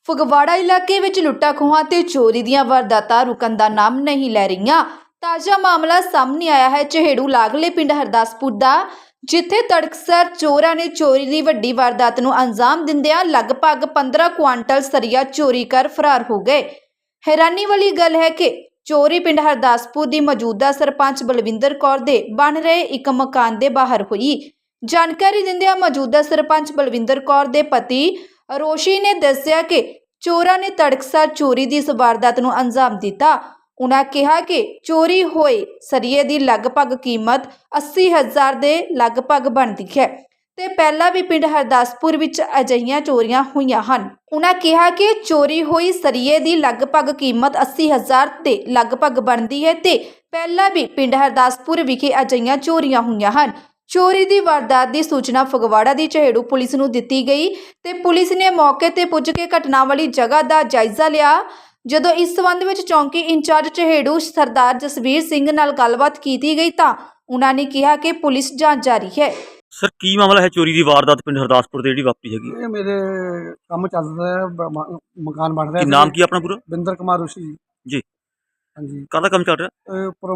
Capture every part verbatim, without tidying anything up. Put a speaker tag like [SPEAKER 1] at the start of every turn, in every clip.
[SPEAKER 1] ਫਗਵਾੜਾ ਇਲਾਕੇ ਵਿੱਚ ਲੁੱਟਾਂ ਖੋਹਾਂ ਤੇ ਚੋਰੀ ਦੀਆਂ ਵਾਰਦਾਤਾਂ ਰੁਕਣ ਦਾ ਨਾਮ ਨਹੀਂ ਲੈ ਰਹੀਆਂ। ਤਾਜ਼ਾ ਮਾਮਲਾ ਸਾਹਮਣੇ ਆਇਆ ਹੈ ਚਹੇੜੂ ਲਾਗਲੇ ਪਿੰਡ ਹਰਦਾਸਪੁਰ ਦਾ, ਜਿੱਥੇ ਤੜਕਸਾਰ ਚੋਰਾਂ ਨੇ ਚੋਰੀ ਦੀ ਵੱਡੀ ਵਾਰਦਾਤ ਨੂੰ ਅੰਜਾਮ ਦਿੰਦਿਆਂ ਲਗਭਗ ਪੰਦਰਾਂ ਕੁਆਂਟਲ ਸਰੀਆ ਚੋਰੀ ਕਰ ਫਰਾਰ ਹੋ ਗਏ। ਹੈਰਾਨੀ ਵਾਲੀ ਗੱਲ ਹੈ ਕਿ ਚੋਰੀ ਪਿੰਡ ਹਰਦਾਸਪੁਰ ਦੀ ਮੌਜੂਦਾ ਸਰਪੰਚ ਬਲਵਿੰਦਰ ਕੌਰ ਦੇ ਬਣ ਰਹੇ ਇੱਕ ਮਕਾਨ ਦੇ ਬਾਹਰ ਹੋਈ। ਜਾਣਕਾਰੀ ਦਿੰਦਿਆਂ ਮੌਜੂਦਾ ਸਰਪੰਚ ਬਲਵਿੰਦਰ ਕੌਰ ਦੇ ਪਤੀ ਰੋਸ਼ੀ ਨੇ ਦੱਸਿਆ ਕਿ ਚੋਰਾਂ ਨੇ ਤੜਕਸਾਰ ਚੋਰੀ ਦੀ ਇਸ ਵਾਰਦਾਤ ਨੂੰ ਅੰਜਾਮ ਦਿੱਤਾ। ਉਨ੍ਹਾਂ ਕਿਹਾ ਕਿ ਚੋਰੀ ਹੋਏ ਸਰੀਏ ਦੀ ਲਗਭਗ ਕੀਮਤ ਅੱਸੀ ਹਜ਼ਾਰ ਦੇ ਲਗਭਗ ਬਣਦੀ ਹੈ ਤੇ ਪਹਿਲਾਂ ਵੀ ਪਿੰਡ ਹਰਦਾਸਪੁਰ ਵਿੱਚ ਅਜਿਹੀਆਂ ਚੋਰੀਆਂ ਹੋਈਆਂ ਹਨ। ਉਨ੍ਹਾਂ ਕਿਹਾ ਕਿ ਚੋਰੀ ਹੋਈ ਸਰੀਏ ਦੀ ਲਗਭਗ ਕੀਮਤ ਅੱਸੀ ਹਜ਼ਾਰ ਦੇ ਲਗਭਗ ਬਣਦੀ ਹੈ ਤੇ ਪਹਿਲਾਂ ਵੀ ਪਿੰਡ ਹਰਦਾਸਪੁਰ ਵਿਖੇ ਅਜਿਹੀਆਂ ਚੋਰੀਆਂ ਹੋਈਆਂ ਹਨ। ਚੋਰੀ ਦੀ ਵਾਰਦਾਤ ਦੀ ਸੂਚਨਾ ਫਗਵਾੜਾ ਦੀ ਚਹੇੜੂ ਪੁਲਿਸ ਨੂੰ ਦਿੱਤੀ ਗਈ ਤੇ ਪੁਲਿਸ ਨੇ ਮੌਕੇ ਤੇ ਪੁੱਜ ਕੇ ਘਟਨਾ ਵਾਲੀ ਜਗ੍ਹਾ ਦਾ ਜਾਇਜ਼ਾ ਲਿਆ। ਜਦੋਂ ਇਸ ਸੰਬੰਧ ਵਿੱਚ ਚੌਂਕੀ ਇੰਚਾਰਜ ਚਹੇੜੂ ਸਰਦਾਰ ਜਸਵੀਰ ਸਿੰਘ ਨਾਲ ਗੱਲਬਾਤ ਕੀਤੀ ਗਈ ਤਾਂ ਉਹਨਾਂ ਨੇ ਕਿਹਾ ਕਿ ਪੁਲਿਸ ਜਾਂਚ ਜਾਰੀ ਹੈ।
[SPEAKER 2] ਸਰ ਕੀ ਮਾਮਲਾ ਹੈ ਚੋਰੀ ਦੀ ਵਾਰਦਾਤ ਪਿੰਡ ਹਰਦਾਸਪੁਰ ਤੇ ਜਿਹੜੀ ਵਾਪਰੀ ਹੈਗੀ?
[SPEAKER 3] ਇਹ ਮੇਰੇ ਕੰਮ ਚੱਲ ਰਿਹਾ ਹੈ, ਬ- ਮ- ਮਕਾਨ ਬਣ ਰਿਹਾ।
[SPEAKER 2] ਕੀ ਨਾਮ ਕੀ ਆਪਣਾ ਪੂਰਾ?
[SPEAKER 3] ਬਿੰਦਰ ਕੁਮਾਰ ਰੋਸ਼ੀ ਜੀ।
[SPEAKER 2] ਜੀ
[SPEAKER 3] ਹਾਂਜੀ,
[SPEAKER 2] ਕਾਹਦਾ ਕੰਮ ਚੱਲ ਰਿਹਾ?
[SPEAKER 3] ਇਹ ਉੱਪਰ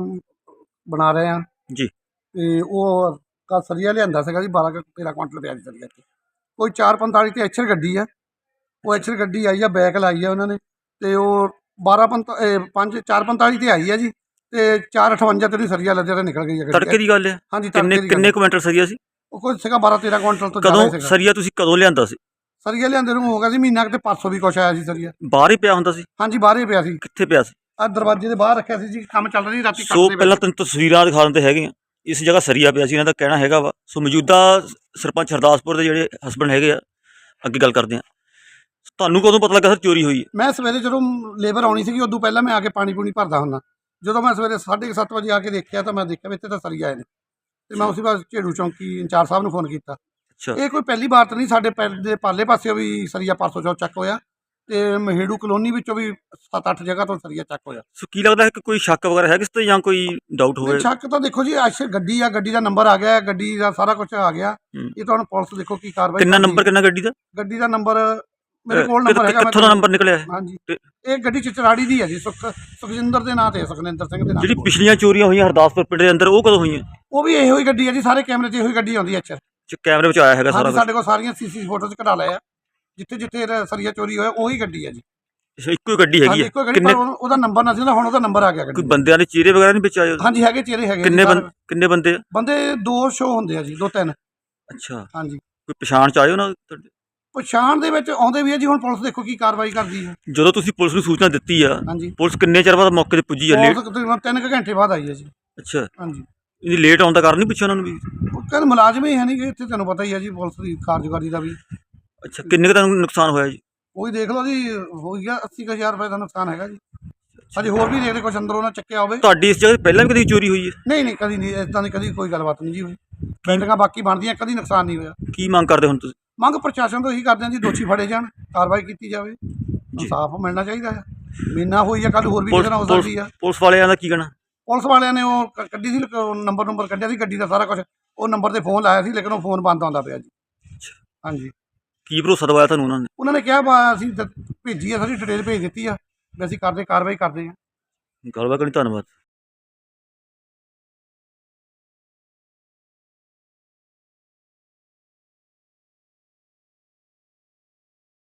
[SPEAKER 3] ਬਣਾ ਰਹੇ ਆ
[SPEAKER 2] ਜੀ
[SPEAKER 3] ਤੇ ਉਹ ਕਾ ਸਰੀਆ ਲਿਆਂਦਾ ਸੀਗਾ ਜੀ, ਬਾਰਾਂ ਕੁ ਤੇਰਾਂ ਕੁਆਂਟਲ ਪਿਆ ਜੀ ਸਰੀਆ ਤੇ। ਕੋਈ ਚਾਰ ਪੰਤਾਲੀ ਤੇ ਐਚਰ ਗੱਡੀ ਆ, ਉਹ ਐਚਰ ਗੱਡੀ ਆਈ ਆ, ਬੈਕ ਲਾਈ ਆ ਉਹਨਾਂ ਨੇ ਤੇ ਉਹ ਬਾਰਾਂ ਪੰਤਾ ਪੰਜ ਚਾਰ ਪੰਤਾਲੀ ਤੇ ਆਈ ਆ ਜੀ ਤੇ ਚਾਰ ਅਠਵੰਜਾ ਤੇ ਸਰੀਆ ਲੱਦਿਆ ਤੇ ਨਿਕਲ ਗਈ ਆ ਗੱਡੀ।
[SPEAKER 2] ਤੜਕੇ ਦੀ ਗੱਲ ਹੈ?
[SPEAKER 3] ਹਾਂਜੀ,
[SPEAKER 2] ਕਿੰਨੇ
[SPEAKER 3] ਤੜਕੇ ਦੀ
[SPEAKER 2] ਕਿੰਨੇ
[SPEAKER 3] ਗੱਲ।
[SPEAKER 2] ਕੁਇੰਟਲ ਸਰੀਆ ਸੀ?
[SPEAKER 3] ਉਹ ਕੋਈ ਸੀਗਾ ਬਾਰਾਂ ਤੇਰਾਂ ਕੁਆਂਟਲ ਤੋਂ ਜ਼ਿਆਦਾ
[SPEAKER 2] ਕਦੋਂ
[SPEAKER 3] ਸੀਗਾ
[SPEAKER 2] ਸਰੀਆ ਤੁਸੀਂ ਕਦੋਂ ਲਿਆਂਦਾ ਸੀ?
[SPEAKER 3] ਸਰੀਆ ਲਿਆਂਦੇ ਨੂੰ ਹੋ ਗਿਆ ਸੀ ਮਹੀਨਾ ਕੁ ਤੇ ਪਰਸੋਂ ਵੀ ਕੁਛ ਆਇਆ ਸੀ ਸਰੀਆ।
[SPEAKER 2] ਬਾਹਰ ਹੀ ਪਿਆ ਹੁੰਦਾ ਸੀ?
[SPEAKER 3] ਹਾਂਜੀ, ਬਾਹਰ ਹੀ ਪਿਆ ਸੀ,
[SPEAKER 2] ਕਿੱਥੇ ਪਿਆ ਸੀ?
[SPEAKER 3] ਆ ਦਰਵਾਜ਼ੇ ਦੇ ਬਾਹਰ ਰੱਖਿਆ ਸੀ ਜੀ, ਕੰਮ ਚੱਲ ਰਹੀ ਰਾਤੀ।
[SPEAKER 2] ਸੋ ਪਹਿਲਾਂ ਤੈਨੂੰ ਤਸਵੀਰਾਂ ਦਿਖਾ ਦਿੰਦੇ ਹੈਗੇ ਆ, ਇਸ ਜਗ੍ਹਾ ਸਰੀਆ ਪਿਆ ਸੀ, ਇਹਨਾਂ ਦਾ ਕਹਿਣਾ ਹੈਗਾ ਵਾ। ਸੋ ਮੌਜੂਦਾ ਸਰਪੰਚ ਹਰਦਾਸਪੁਰ ਦੇ ਜਿਹੜੇ ਹਸਬੈਂਡ ਹੈਗੇ ਆ, ਅੱਗੇ ਗੱਲ ਕਰਦੇ ਆ। ਤੁਹਾਨੂੰ ਕਦੋਂ ਪਤਾ ਲੱਗਾ ਸਰ ਚੋਰੀ ਹੋਈ ਹੈ?
[SPEAKER 3] ਮੈਂ ਸਵੇਰੇ ਜਦੋਂ ਲੇਬਰ ਆਉਣੀ ਸੀਗੀ ਉਦੋਂ ਪਹਿਲਾਂ ਮੈਂ ਆ ਕੇ ਪਾਣੀ ਪੂਣੀ ਭਰਦਾ ਹੁੰਦਾ। ਜਦੋਂ ਮੈਂ ਸਵੇਰੇ ਸਾਢੇ ਕੁ ਸੱਤ ਵਜੇ ਆ ਕੇ ਦੇਖਿਆ ਤਾਂ ਮੈਂ ਦੇਖਿਆ ਵੀ ਇੱਥੇ ਤਾਂ ਸਰੀਆ ਆਏ ਨੇ ਤੇ ਮੈਂ ਉਸੇ ਬਾਅਦ ਝੇੜੂ ਚੌਂਕੀ ਇੰਚਾਰਜ ਸਾਹਿਬ ਨੂੰ ਫੋਨ ਕੀਤਾ।
[SPEAKER 2] ਅੱਛਾ,
[SPEAKER 3] ਇਹ ਕੋਈ ਪਹਿਲੀ ਵਾਰ ਤਾਂ ਨਹੀਂ, ਸਾਡੇ ਪਿੰਡ ਦੇ ਪਾਲੇ ਪਾਸਿਓਂ ਵੀ ਸਰੀਆ ਪਰਸੋਂ ਚੌਥ ਚੱਕ ਹੋਇਆ ਤੇ ਮਹੇੜੂ ਕਲੋਨੀ ਵਿੱਚੋਂ ਵੀ ਸੱਤ ਅੱਠ ਜਗ੍ਹਾ ਤੋਂ ਸਰੀਆ ਚੱਕ ਹੋਇਆ।
[SPEAKER 2] ਸੋ ਕੀ ਲੱਗਦਾ ਹੈ ਕਿ ਕੋਈ ਸ਼ੱਕ ਵਗੈਰਾ ਹੈ ਕਿਸ ਤੇ ਜਾਂ ਕੋਈ ਡਾਊਟ ਹੋਵੇ?
[SPEAKER 3] ਸ਼ੱਕ ਤਾਂ ਦੇਖੋ ਜੀ, ਅੱਛਾ ਗੱਡੀ ਆ, ਗੱਡੀ ਦਾ ਨੰਬਰ ਆ ਗਿਆ, ਗੱਡੀ ਦਾ ਸਾਰਾ ਕੁਝ ਆ ਗਿਆ। ਇਹ ਤਾਂ ਹੁਣ ਪੁਲਿਸ ਦੇਖੋ ਕੀ ਕਾਰਵਾਈ।
[SPEAKER 2] ਕਿੰਨਾ ਨੰਬਰ ਕਿੰਨਾ ਗੱਡੀ ਦਾ?
[SPEAKER 3] ਗੱਡੀ ਦਾ ਨੰਬਰ ਮੇਰੇ ਕੋਲ ਨੰਬਰ ਹੈਗਾ।
[SPEAKER 2] ਕਿੱਥੋਂ ਦਾ ਨੰਬਰ ਨਿਕਲਿਆ ਹੈ?
[SPEAKER 3] ਹਾਂਜੀ, ਇਹ ਗੱਡੀ ਚਚਰਾੜੀ ਦੀ ਹੈ ਜੀ, ਸੁਖ ਸੁਖਜਿੰਦਰ ਦੇ ਨਾਂ ਤੇ, ਸੁਖਨਿੰਦਰ ਸਿੰਘ ਦੇ ਨਾਂ।
[SPEAKER 2] ਜਿਹੜੀ ਪਿਛਲੀਆਂ ਚੋਰੀਆਂ ਹੋਈਆਂ ਹਰਦਾਸਪੁਰ ਪਿੰਡ ਦੇ ਅੰਦਰ ਉਹ ਕਦੋਂ ਹੋਈਆਂ?
[SPEAKER 3] ਉਹ ਵੀ ਇਹੋ ਹੀ ਗੱਡੀ ਹੈ ਜੀ, ਸਾਰੇ ਕੈਮਰੇ 'ਚ ਇਹੋ ਹੀ ਗੱਡੀ ਆਉਂਦੀ ਹੈ। ਅੱਛਾ,
[SPEAKER 2] ਕੈਮਰੇ ਵਿੱਚ ਆਇਆ ਹੈਗਾ ਸਾਰਾ?
[SPEAKER 3] ਸਾਡੇ ਕੋਲ ਸਾਰੀਆਂ ਸੀਸੀ ਫੋਟੋਜ਼ ਕਢਾ ਲਏ ਆ, ਜਿੱਥੇ ਜਿੱਥੇ ਸਰੀਆ ਚੋਰੀ ਹੋਇਆ ਉਹੀ ਗੱਡੀ ਹੈ ਜੀ।
[SPEAKER 2] ਅੱਛਾ, ਇੱਕੋ ਹੀ ਗੱਡੀ ਹੈਗੀ ਹੈ?
[SPEAKER 3] ਕਿੰਨੇ ਉਹਦਾ ਨੰਬਰ ਨਾ ਸੀ, ਹੁਣ ਉਹਦਾ ਨੰਬਰ ਆ ਗਿਆ ਗੱਡੀ।
[SPEAKER 2] ਕੋਈ ਬੰਦਿਆਂ ਦੇ ਚਿਹਰੇ ਵਗੈਰਾ ਨਹੀਂ ਵਿੱਚ ਆਏ?
[SPEAKER 3] ਹਾਂਜੀ, ਹੈਗੇ ਚਿਹਰੇ ਹੈਗੇ।
[SPEAKER 2] ਕਿੰਨੇ ਬੰਦੇ ਕਿੰਨੇ ਬੰਦੇ
[SPEAKER 3] ਬੰਦੇ ਦੋ ਸ਼ੋ ਹੁੰਦੇ ਆ ਜੀ, ਦੋ ਤਿੰਨ।
[SPEAKER 2] ਅੱਛਾ,
[SPEAKER 3] ਹਾਂਜੀ,
[SPEAKER 2] ਕੋਈ ਪਛਾਣ ਚ ਆਏ ਉਹਨਾਂ ਤੁਹਾਡੇ?
[SPEAKER 3] ਪਛਾਣ ਦੇ ਵਿੱਚ ਆਉਂਦੇ ਵੀ ਹੈ ਜੀ, ਹੁਣ ਪੁਲਿਸ ਦੇਖੋ ਕੀ ਕਾਰਵਾਈ ਕਰਦੀ ਹੈ।
[SPEAKER 2] ਜਦੋਂ ਤੁਸੀਂ ਪੁਲਿਸ ਨੂੰ ਸੂਚਨਾ ਦਿੱਤੀ ਆ,
[SPEAKER 3] ਹਾਂਜੀ,
[SPEAKER 2] ਪੁਲਿਸ ਕਿੰਨੇ ਚਿਰ ਬਾਅਦ ਮੌਕੇ ਤੇ ਪੁੱਜੀ ਆ? ਲੇਟ?
[SPEAKER 3] ਤਕਰੀਬਨ ਤਿੰਨ ਕੁ ਘੰਟੇ ਬਾਅਦ ਆਈ ਹੈ ਜੀ।
[SPEAKER 2] ਅੱਛਾ,
[SPEAKER 3] ਹਾਂਜੀ,
[SPEAKER 2] ਇਹਦੀ ਲੇਟ ਆਉਣ ਦਾ ਕਾਰਨ ਨਹੀਂ ਪੁੱਛਿਆ ਉਹਨਾਂ ਨੂੰ ਵੀ?
[SPEAKER 3] ਉਹ ਕਹਿੰਦੇ ਮੁਲਾਜ਼ਮ ਹੀ ਹੈ ਨਹੀਂ ਕਿ ਇੱਥੇ, ਤੁਹਾਨੂੰ ਪਤਾ ਹੀ ਹੈ ਜੀ ਪੁਲਿਸ ਦੀ ਕਾਰਜਕਾਰੀ ਦਾ ਵੀ।
[SPEAKER 2] ਅੱਛਾ, ਕਿੰਨੇ ਕੁ ਤੁਹਾਨੂੰ ਨੁਕਸਾਨ ਹੋਇਆ ਜੀ?
[SPEAKER 3] ਉਹੀ ਦੇਖ ਲਓ ਜੀ, ਹੋ ਗਿਆ ਅੱਸੀ ਕੁ ਹਜ਼ਾਰ ਰੁਪਏ ਦਾ ਨੁਕਸਾਨ ਹੈਗਾ ਜੀ। ਅਜੇ ਹੋਰ ਵੀ ਦੇਖਦੇ ਕੁਛ ਅੰਦਰੋਂ ਨਾ ਚੱਕਿਆ ਹੋਵੇ।
[SPEAKER 2] ਤੁਹਾਡੀ ਇਸ ਜਗ੍ਹਾ ਤੇ ਪਹਿਲਾਂ ਵੀ ਕਦੀ ਚੋਰੀ ਹੋਈ ਹੈ?
[SPEAKER 3] ਨਹੀਂ ਨਹੀਂ, ਕਦੀ ਨਹੀਂ, ਇਦਾਂ ਦੀ ਕਦੀ ਕੋਈ ਗੱਲਬਾਤ ਨਹੀਂ ਜੀ ਹੋਈ। ਬਿਲਡਿੰਗਾਂ ਬਾਕੀ ਬਣਦੀਆਂ, ਕਦੀ ਨੁਕਸਾਨ ਨਹੀਂ ਹੋਇਆ।
[SPEAKER 2] ਕੀ ਮੰਗ ਕਰਦੇ ਹੁਣ ਤੁਸੀਂ?
[SPEAKER 3] ਮੰਗ ਪ੍ਰਸ਼ਾਸਨ ਤੋਂ ਇਹੀ ਕਰਦੇ ਹਾਂ ਜੀ, ਦੋਸ਼ੀ ਫੜੇ ਜਾਣ, ਕਾਰਵਾਈ ਕੀਤੀ ਜਾਵੇ, ਇਨਸਾਫ ਮਿਲਣਾ ਚਾਹੀਦਾ ਹੈ। ਮਹੀਨਾ ਹੋਈ ਆ, ਕੱਲ ਹੋਰ ਵੀ ਕਿਸੇ ਨਾਲ ਹੋ ਸਕਦੀ ਆ।
[SPEAKER 2] ਪੁਲਿਸ ਵਾਲਿਆਂ ਦਾ ਕੀ ਕਹਿਣਾ?
[SPEAKER 3] ਪੁਲਿਸ ਵਾਲਿਆਂ ਨੇ ਉਹ ਕ- ਕੱਢੀ ਸੀ, ਨੰਬਰ ਨੰਬਰ ਕੱਢਿਆ ਸੀ ਗੱਡੀ ਦਾ ਸਾਰਾ ਕੁਝ, ਉਹ ਨੰਬਰ ਤੇ ਫੋਨ ਲਾਇਆ ਸੀ, ਲੇਕਿਨ ਉਹ ਫੋਨ ਬੰਦ ਆਉਂਦਾ ਪਿਆ ਜੀ। ਹਾਂਜੀ,
[SPEAKER 2] ਕੀ ਭਰੋਸਾ ਦਵਾਇਆ ਤੁਹਾਨੂੰ ਉਹਨਾਂ ਨੇ?
[SPEAKER 3] ਉਹਨਾਂ ਨੇ ਕਿਹਾ ਵਾ ਅਸੀਂ ਦ- ਭੇਜੀ ਆ, ਸਾਰੀ ਡਿਟੇਲ ਭੇਜ ਦਿੱਤੀ ਆ ਵੀ ਅਸੀਂ ਕਰਦੇ ਕਾਰਵਾਈ ਕਰਦੇ ਹਾਂ।
[SPEAKER 2] ਗੱਲਬਾਤ ਕਰਨੀ, ਧੰਨਵਾਦ।